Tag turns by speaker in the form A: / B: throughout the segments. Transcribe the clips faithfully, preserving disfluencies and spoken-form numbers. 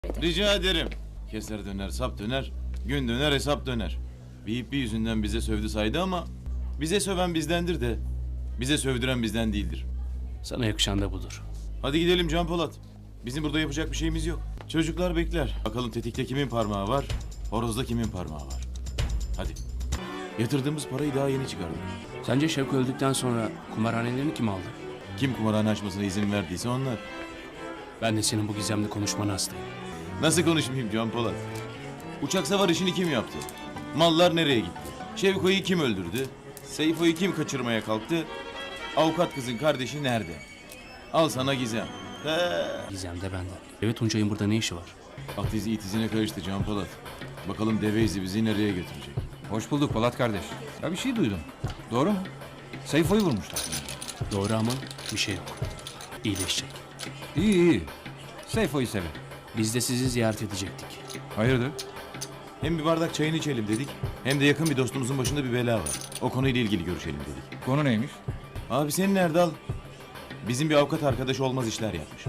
A: Rica ederim. Keser döner, sap döner, gün döner, hesap döner. Bir yüzünden bize sövdü saydı ama bize söven bizdendir de bize sövdüren bizden değildir.
B: Sana yakışan da budur.
A: Hadi gidelim Can Polat. Bizim burada yapacak bir şeyimiz yok. Çocuklar bekler. Bakalım tetikte kimin parmağı var, horozda kimin parmağı var. Hadi. Yatırdığımız parayı daha yeni çıkardık.
B: Sence Şevko öldükten sonra kumarhanelerini kim aldı?
A: Kim kumarhane açmasına izin verdiyse onlar.
B: Ben de senin bu gizemli konuşmana hastayım.
A: Nasıl konuşmayayım Can Polat? Uçak savar işini kim yaptı? Mallar nereye gitti? Şevko'yu kim öldürdü? Seyfo'yu kim kaçırmaya kalktı? Avukat kızın kardeşi nerede? Al sana gizem. He.
B: Gizem de benden. Evet, Tuncay'ın burada ne işi var?
A: At izi it izine karıştı Can Polat. Bakalım deve izi bizi nereye götürecek?
C: Hoş bulduk Polat kardeş. Ya bir şey duydum. Doğru mu? Seyfo'yu vurmuşlar.
B: Doğru ama bir şey yok. İyileşecek.
C: İyi iyi. Seyfo'yu severim.
B: Biz de sizi ziyaret edecektik.
C: Hayırdır?
A: Hem bir bardak çayını içelim dedik, hem de yakın bir dostumuzun başında bir bela var. O konuyla ilgili görüşelim dedik.
C: Konu neymiş?
A: Abi senin Erdal, bizim bir avukat arkadaş olmaz işler yapmış.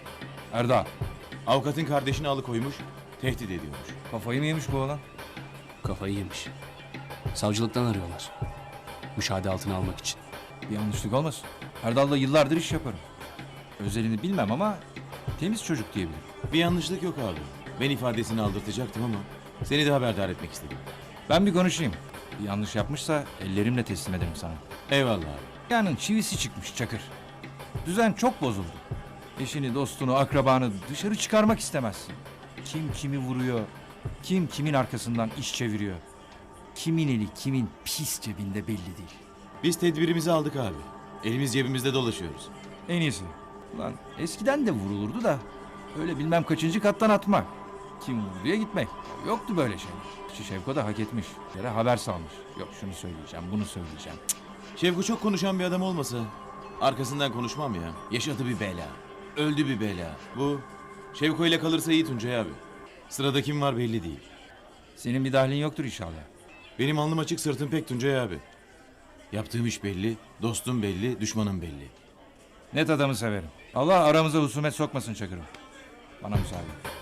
C: Erdal.
A: Avukatın kardeşini alıkoymuş, tehdit ediyormuş.
C: Kafayı mı yemiş bu oğlan?
B: Kafayı yemiş. Savcılıktan arıyorlar. Müşahede altına almak için.
C: Bir yanlışlık olmasın. Erdal'la yıllardır iş yaparım. Özelini bilmem ama temiz çocuk diyebilirim.
A: Bir yanlışlık yok abi. Ben ifadesini aldırtacaktım ama seni de haberdar etmek istedim.
C: Ben bir konuşayım. Bir yanlış yapmışsa ellerimle teslim ederim sana.
A: Eyvallah abi.
C: Yanın çivisi çıkmış Çakır. Düzen çok bozuldu. Eşini, dostunu, akrabanı dışarı çıkarmak istemezsin. Kim kimi vuruyor, kim kimin arkasından iş çeviriyor. Kimin eli kimin pis cebinde belli değil.
A: Biz tedbirimizi aldık abi. Elimiz cebimizde dolaşıyoruz.
C: En iyisi. Ulan eskiden de vurulurdu da öyle bilmem kaçıncı kattan atmak. Kim vurduya gitmek. Yoktu böyle şey. Şu Şevko da hak etmiş. Yere haber salmış. Yok şunu söyleyeceğim, bunu söyleyeceğim. Cık.
A: Şevko çok konuşan bir adam olmasa arkasından konuşmam ya. Yaşadı bir bela. Öldü bir bela. Bu Şevko ile kalırsa iyi Tuncay abi. Sırada kim var belli değil.
C: Senin bir dahlin yoktur inşallah.
A: Benim alnım açık sırtım pek Tuncay abi. Yaptığım iş belli, dostum belli, düşmanım belli.
C: Net adamı severim. Allah aramıza husumet sokmasın Çakır'ım. Bana müsaade.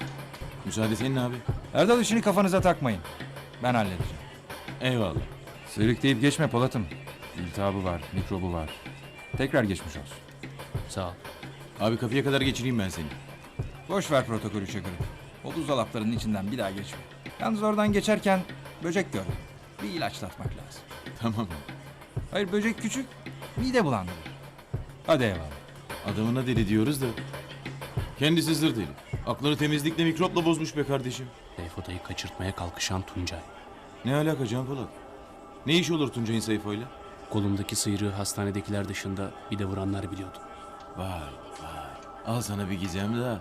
A: Müsaade senin abi.
C: Erdal işini kafanıza takmayın. Ben halledeceğim.
A: Eyvallah.
C: Sıyrık deyip geçme Polat'ım. İltihabı var, mikrobu var. Tekrar geçmiş olsun.
B: Sağ ol.
A: Abi kapıya kadar geçireyim ben seni.
C: Boş ver protokolü Çakır'ım. O buzdolaplarının içinden bir daha geçme. Yalnız oradan geçerken böcek gördüm. Bir ilaçlatmak lazım.
A: Tamam abi.
C: Hayır böcek küçük, mide bulandırır. Hadi eyvallah.
A: Adamına deli diyoruz da. Kendisi zır deli. Aklını temizlikle mikropla bozmuş be kardeşim.
B: Seyfoda'yı kaçırtmaya kalkışan Tuncay.
A: Ne alaka Can Polat? Ne iş olur Tuncay'ın Seyfo'yla?
B: Kolumdaki sıyrığı hastanedekiler dışında bir de vuranlar biliyordu.
A: Vay vay. Al sana bir gizem daha.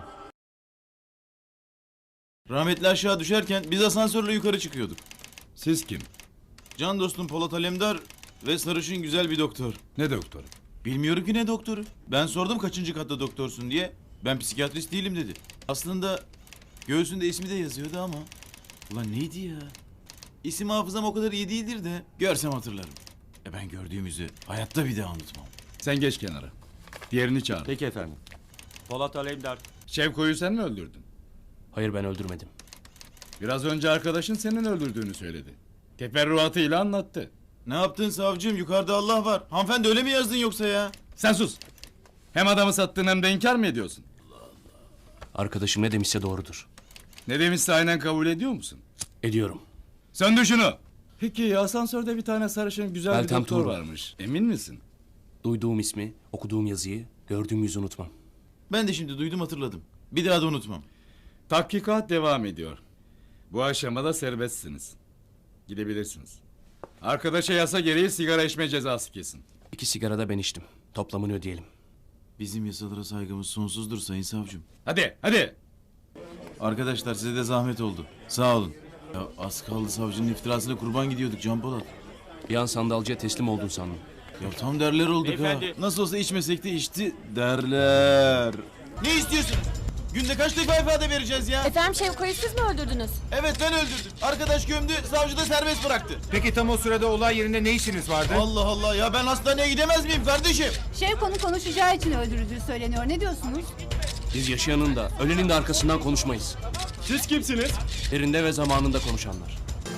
A: Rahmetli aşağı düşerken biz asansörle yukarı çıkıyorduk.
D: Siz kim?
A: Can dostum Polat Alemdar ve sarışın güzel bir doktor.
D: Ne doktoru?
A: Bilmiyorum ki ne doktoru. Ben sordum kaçıncı katta doktorsun diye. Ben psikiyatrist değilim dedi. Aslında göğsünde ismi de yazıyordu ama. Ulan neydi ya? İsim hafızam o kadar iyi değildir de görsem hatırlarım. E ben gördüğümüzü hayatta bir daha unutmam.
D: Sen geç kenara. Diğerini çağır.
E: Peki efendim. Polat Alemdar.
D: Şevko'yu sen mi öldürdün?
B: Hayır, ben öldürmedim.
D: Biraz önce arkadaşın senin öldürdüğünü söyledi. Teferruatıyla anlattı.
A: Ne yaptın savcım? Yukarıda Allah var. Hanımefendi öyle mi yazdın yoksa ya?
D: Sen sus. Hem adamı sattın hem de inkar mı ediyorsun?
B: Arkadaşım ne demişse doğrudur.
D: Ne demişse aynen kabul ediyor musun?
B: Ediyorum.
D: Söndür şunu. Peki asansörde bir tane sarışın güzel
B: Meltem
D: bir doktor
B: Tuğrul.
D: varmış. Emin misin?
B: Duyduğum ismi, okuduğum yazıyı, gördüğüm yüzü unutmam.
A: Ben de şimdi duydum hatırladım. Bir daha da unutmam.
D: Tahkikat devam ediyor. Bu aşamada serbestsiniz. Gidebilirsiniz. Arkadaşa yasa gereği sigara içme cezası kesin.
B: İki sigara da ben içtim. Toplamını ödeyelim.
A: Bizim yasalara saygımız sonsuzdur sayın savcım.
D: Hadi hadi.
A: Arkadaşlar size de zahmet oldu. Sağ olun. Ya az kaldı savcının iftirasıyla kurban gidiyorduk Can Polat.
B: Bir an sandalcıya teslim oldun sandım.
A: Ya tam derler olduk
E: Beyefendi.
A: ha. Nasıl olsa içmesek de içti derler. Ne istiyorsun? Günde kaç defa ifade vereceğiz ya?
F: Efendim Şevko'yu siz mi öldürdünüz?
A: Evet ben öldürdüm. Arkadaş gömdü, savcı da serbest bıraktı.
G: Peki tam o sırada olay yerinde ne işiniz vardı?
A: Allah Allah ya ben hastaneye gidemez miyim kardeşim?
H: Şevko'nun konuşacağı için öldürüldüğü söyleniyor. Ne diyorsunuz?
B: Biz yaşayanın da, ölenin de arkasından konuşmayız.
E: Siz kimsiniz?
B: Yerinde ve zamanında konuşanlar.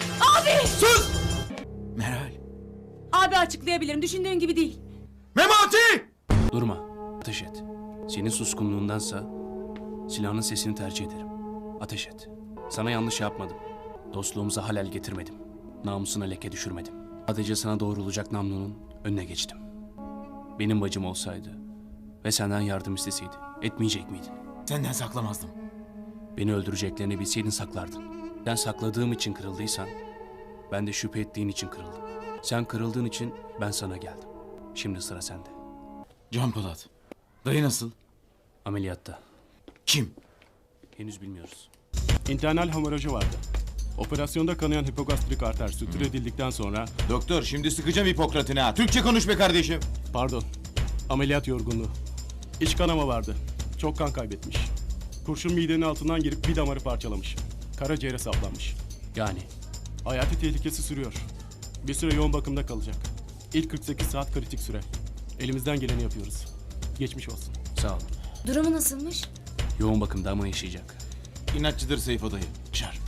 A: Meral.
F: Abi açıklayabilirim. Düşündüğün gibi değil.
A: Memati!
B: Durma. Ateş et. Senin suskunluğundansa silahın sesini tercih ederim. Ateş et. Sana yanlış yapmadım. Dostluğumuza halel getirmedim. Namusuna leke düşürmedim. Sadece sana doğrulacak namlunun önüne geçtim. Benim bacım olsaydı ve senden yardım isteseydi etmeyecek miydin?
A: Senden saklamazdım.
B: Beni öldüreceklerini bilseydin saklardın. Sen sakladığım için kırıldıysan ben de şüphe ettiğin için kırıldım. Sen kırıldığın için ben sana geldim. Şimdi sıra sende.
A: Can Polat. Dayı nasıl?
B: Ameliyatta.
A: Kim?
B: Henüz bilmiyoruz.
E: İnternal hemorajı vardı. Operasyonda kanayan hipogastrik arter sütüredildikten sonra...
A: Doktor şimdi sıkacağım Hipokrat'ını ha. Türkçe konuş be kardeşim.
E: Pardon. Ameliyat yorgunluğu. İç kanama vardı. Çok kan kaybetmiş. Kurşun midenin altından girip bir damarı parçalamış. Karaciğere saplanmış.
B: Yani
E: Hayati tehlikesi sürüyor. Bir süre yoğun bakımda kalacak. İlk kırk sekiz saat kritik süre. Elimizden geleni yapıyoruz. Geçmiş olsun.
B: sağ ol.
F: Durumu nasılmış?
B: Yoğun bakımda ama yaşayacak.
A: İnatçıdır Seyfo dayı. Şar.